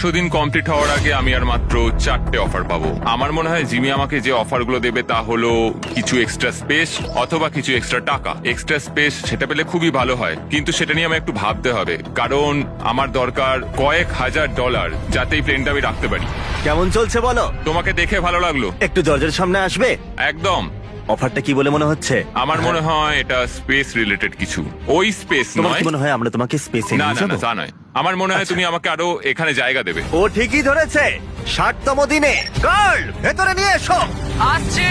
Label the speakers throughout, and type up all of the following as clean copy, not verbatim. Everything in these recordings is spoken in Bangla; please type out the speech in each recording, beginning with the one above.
Speaker 1: 100 দিন কমপ্লিট হওয়ার আগে আমি আর মাত্র 4টে অফার পাবো। আমার মনে হয় জিমি আমাকে যে অফারগুলো দেবে তা হলো কিছু এক্সট্রা স্পেস অথবা কিছু এক্সট্রা টাকা। এক্সট্রা স্পেস সেটা পেলে খুবই ভালো হয়, কিন্তু সেটা নিয়ে আমি একটু ভাবতে হবে, কারণ আমার দরকার কয়েক হাজার ডলার যাতে এই প্লেনটা আমি রাখতে পারি।
Speaker 2: কেমন চলছে বলো?
Speaker 1: তোমাকে দেখে ভালো লাগলো।
Speaker 2: একটু দরজার সামনে আসবে?
Speaker 1: একদম।
Speaker 2: অফারটা কি বলে মনে হচ্ছে?
Speaker 1: আমার মনে হয় এটা স্পেস রিলেটেড কিছু। ওই স্পেস
Speaker 2: তোমার
Speaker 1: নয়।
Speaker 2: কি মনে হয় আমরা তোমাকে স্পেসে
Speaker 1: না
Speaker 2: নিয়ে
Speaker 1: না
Speaker 2: যাবো?
Speaker 1: না, তা নয়। আমার মনে হয়
Speaker 2: আচ্ছা।
Speaker 1: তুমি আমাকে আরো এখানে জায়গা দেবে।
Speaker 2: ও ঠিকই ধরেছে। 60তম দিনে গার্ল ভেতরে নিয়ে এসো।
Speaker 3: আসছি।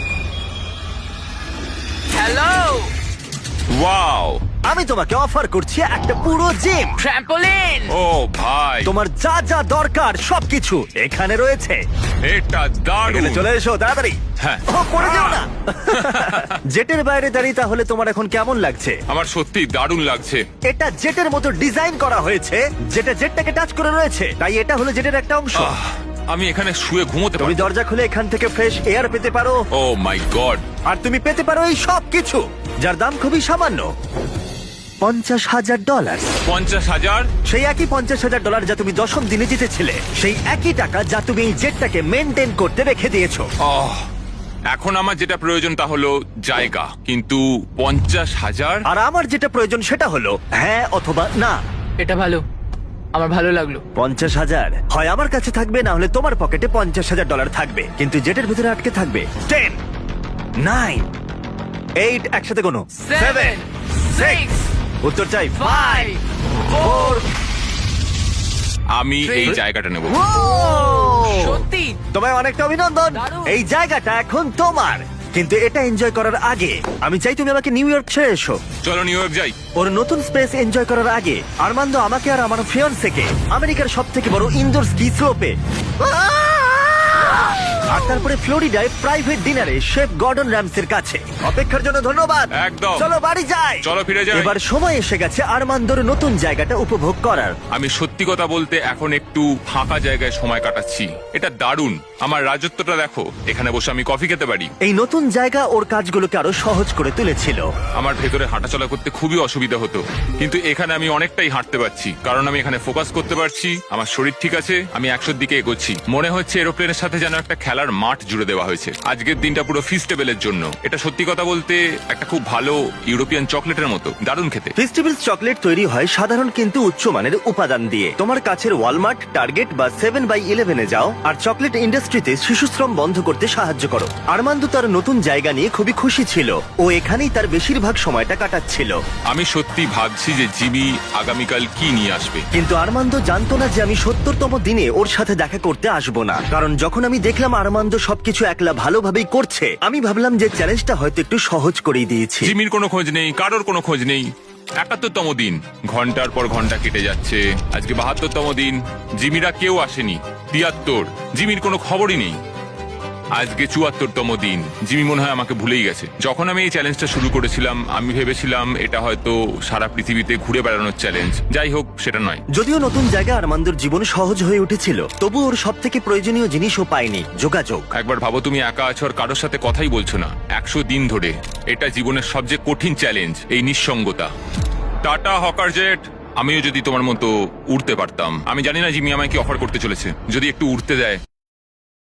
Speaker 3: হ্যালো।
Speaker 1: ওয়াও,
Speaker 2: আমি তোমাকে অফার করছি একটা পুরো জিম।
Speaker 3: ট্র্যাম্পোলিন।
Speaker 1: ও ভাই,
Speaker 2: তোমার যা যা দরকার সবকিছু এখানে রয়েছে।
Speaker 1: এটা দারুণ।
Speaker 2: এখানে চলে এসো তাড়াতাড়ি।
Speaker 1: হ্যাঁ।
Speaker 2: ও পড়ে যেও না। জেটের বাইরে দাঁড়িয়ে তাহলে তোমার এখন কেমন লাগছে?
Speaker 1: আমার সত্যি দারুণ লাগছে।
Speaker 2: এটা জেটের মতো ডিজাইন করা হয়েছে, যেটা জেটটাকে টাচ করে রয়েছে, তাই এটা হলো জেটের একটা অংশ।
Speaker 1: আমি এখানে শুয়ে ঘুমোতে
Speaker 2: তুমি
Speaker 1: পারি।
Speaker 2: দরজা খুলে এখান থেকে ফ্রেশ এয়ার পেতে পারো,
Speaker 1: ও মাই গড।
Speaker 2: আর তুমি পেতে পারো এই সব কিছু, যার দাম খুবই সামান্য, $50,000।
Speaker 1: 50,000?
Speaker 2: সেই একই $50,000 যা তুমি 10ম দিনে জিতেছিলে, সেই একই টাকা যা তুমি এই জেটটাকে মেনটেন করতে রেখে দিয়েছো।
Speaker 1: এখন আমার যেটা প্রয়োজন তা হলো জায়গা, কিন্তু 50,000?
Speaker 2: আর আমার যেটা প্রয়োজন সেটা হলো হ্যাঁ অথবা না।
Speaker 3: এটা ভালো, আমার ভালো লাগলো।
Speaker 2: 50,000 হয় আমার কাছে থাকবে, না হলে তোমার পকেটে $50,000 থাকবে, কিন্তু জেটের ভিতরে আটকে থাকবে 10, 9, 8, একসাথে কোনো
Speaker 3: 7, 6,
Speaker 2: উত্তর চাই
Speaker 3: 5,
Speaker 2: 4।
Speaker 1: আমি এই জায়গাটা নেব।
Speaker 3: সত্যি
Speaker 2: তোমায় অনেকটা অভিনন্দন।
Speaker 3: দারুণ।
Speaker 2: এই জায়গাটা এখন তোমার, কিন্তু এটা এনজয় করার আগে আমি চাই তুমি আমাকে নিউ ইয়র্ক ছেড়ে এসো।
Speaker 1: চলো নিউ ইয়র্ক যাই।
Speaker 2: ওর নতুন স্পেস এনজয় করার আগে আরমান্দো আমাকে আর আমার ফিয়ান্সেকে আমেরিকার সবথেকে বড় ইনডোর স্কি স্লোপে, আর তারপরে ফ্লোরিডায় প্রাইভেট ডিনারে শেফ গর্ডন র্যামসের কাছে। অপেক্ষার জন্য ধন্যবাদ।
Speaker 1: একদম।
Speaker 2: চলো বাড়ি যাই।
Speaker 1: চলো ফিরে যাই।
Speaker 2: এবার সময় এসে গেছে আরমান্দোর নতুন জায়গাটা উপভোগ করার।
Speaker 1: আমি সত্যি কথা বলতে এখন একটু ফাঁকা জায়গায় সময় কাটাচ্ছি। এটা দারুণ। আমার রাজত্বটা দেখো, এখানে বসে আমি কফি খেতে পারি।
Speaker 2: এই নতুন জায়গা ওর কাজগুলোকে আরো সহজ করে তুলেছিল।
Speaker 1: আমার ভেতরে হাঁটাচলা করতে খুবই অসুবিধা হতো, কিন্তু এখানে আমি অনেকটাই হাঁটতে পারছি, কারণ আমি এখানে ফোকাস করতে পারছি। আমার শরীর ঠিক আছে, আমি 100-র দিকে এগোচ্ছি। মনে হচ্ছে এরোপ্লেনের সাথে যেন একটা খেলার মাঠ জুড়ে দেওয়া হয়েছে। আজকের দিনটা পুরো ফিস্টেবলের জন্য। এটা সত্যি কথা বলতে একটা খুব ভালো ইউরোপিয়ান চকলেটের মতো, দারুণ খেতে।
Speaker 2: ফেস্টিভ্যালস চকলেট তৈরি হয় সাধারণ কিন্তু উচ্চমানের উপাদান দিয়ে। তোমার কাছের ওয়ালমার্ট, টার্গেট বা 7/11 যাও আর চকলেট ইন্ডাস্ট্রিতে শিশুশ্রম বন্ধ করতে সাহায্য করো। আরমান্দো তার নতুন জায়গা নিয়ে খুবই খুশি ছিল। ও এখানেই তার বেশিরভাগ সময়টা কাটাচ্ছিল।
Speaker 1: আমি সত্যি ভাবছি যে জিমি আগামীকাল কি নিয়ে আসবে।
Speaker 2: কিন্তু আরমান্দো জানতো না যে আমি 70তম দিনে ওর সাথে দেখা করতে আসবো না, কারণ যখন আমি দেখলাম আরমান্দো সবকিছু একলা ভালোভাবেই করছে, আমি ভাবলাম যে চ্যালেঞ্জটা হয়তো একটু সহজ করেই দিয়েছি।
Speaker 1: জিমির কোনো খোঁজ নেই, কারোর কোনো খোঁজ নেই। 71তম দিন, ঘন্টার পর ঘন্টা কেটে যাচ্ছে। আজকে 72তম দিন, জিমিরা কেউ আসেনি। 73, জিমির কোনো খবরই নেই। আজকে 74তম দিন, জিমি মনে হয় আমাকে ভুলেই গেছে। যখন আমি এই চ্যালেঞ্জটা শুরু করেছিলাম আমি ভেবেছিলাম এটা হয়তো সারা পৃথিবীতে ঘুরে বেড়ানোর চ্যালেঞ্জ। যাই হোক, সেটা নয়।
Speaker 2: যদিও নতুন জায়গা আরমান্দোর জীবন সহজ হয়ে উঠেছিল, তবু ওর সব থেকে প্রয়োজনীয় জিনিসও পায়নি, যোগাযোগ।
Speaker 1: একবার ভাবো, তুমি একা আছো আর কারোর সাথে কথাই বলছো না 100 দিন ধরে। এটা জীবনের সবচেয়ে কঠিন চ্যালেঞ্জ, এই নিঃসঙ্গতা। Tata hawker jet. আমিও যদি তোমার মতো উড়তে পারতাম। আমি জানি না জিমি আমায় কি অফার করতে চলেছে। যদি একটু উড়তে দেয়।